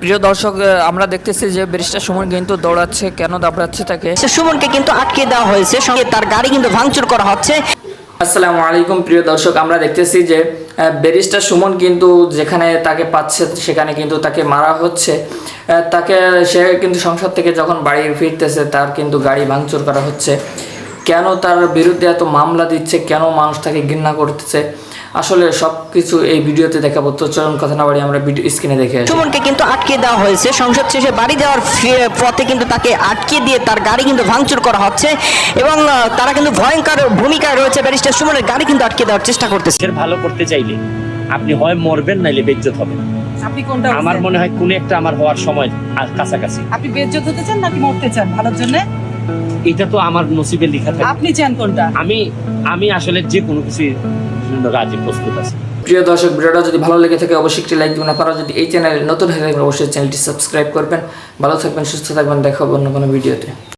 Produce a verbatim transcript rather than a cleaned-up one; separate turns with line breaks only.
প্রিয় দর্শক, আমরা দেখতেছি যে ব্যারিস্টার সুমন কিন্তু দৌড়াচ্ছে, কেন দাবড়াচ্ছে তাকে।
সুমনকে কিন্তু আটকে দেওয়া হয়েছে, সঙ্গে তার গাড়ি কিন্তু ভাঙচুর করা হচ্ছে।
আসসালামু আলাইকুম প্রিয় দর্শক, আমরা দেখতেছি যে ব্যারিস্টার সুমন কিন্তু যেখানে তাকে পাচ্ছে সেখানে কিন্তু তাকে মারা হচ্ছে। তাকে সে কিন্তু সংসদ থেকে যখন বাড়ি ফিরতেছে তার কিন্তু গাড়ি ভাঙচুর করা হচ্ছে। কেন তার বিরুদ্ধে এত মামলা দিচ্ছে, কেন মানুষ তাকে ঘৃণা করতেছে, আসলে সব কিছু এই ভিডিওতে দেখাবো। তো চলুন কথা না বাড়ি আমরা ভিডিও স্ক্রিনে দেখে আসি।
সুমনকে কিন্তু আটকে দেওয়া হয়েছে, সংসদ শেষে বাড়ি যাওয়ার পথে কিন্তু তাকে আটকে দিয়ে তার গাড়ি কিন্তু ভাঙচুর করা হচ্ছে এবং তারা কিন্তু ভয়ঙ্কর ভূমিকায় রয়েছে। ব্যারিস্টার সুমনের গাড়ি কিন্তু আটকে দেওয়ার চেষ্টা করতেছে।
ভালো করতে চাইলে আপনি হয় মরবেন নাইলে বেজ্জত হবেন।
আপনি কোনটা?
আমার মনে হয় কোন একটা আমার হওয়ার সময় কাছাকাছি।
আপনি বেজ্জত হতে চান নাকি মরতে চান ভালোর জন্য?
এটা তো আমার নসিবে লেখা থাকে।
আপনি চান কোনটা?
আমি আমি আসলে যে কোনো কিছু রাজি প্রস্তুত আছি।
প্রিয় দর্শক, ভিডিওটা যদি ভালো লেগে থাকে অবশ্যই একটি লাইক দিবেন। আপনারা যদি এই চ্যানেলে নতুন হয়ে থাকেন অবশ্যই চ্যানেলটি সাবস্ক্রাইব করবেন। ভালো থাকবেন, সুস্থ থাকবেন, দেখা হবে অন্য কোনো ভিডিওতে।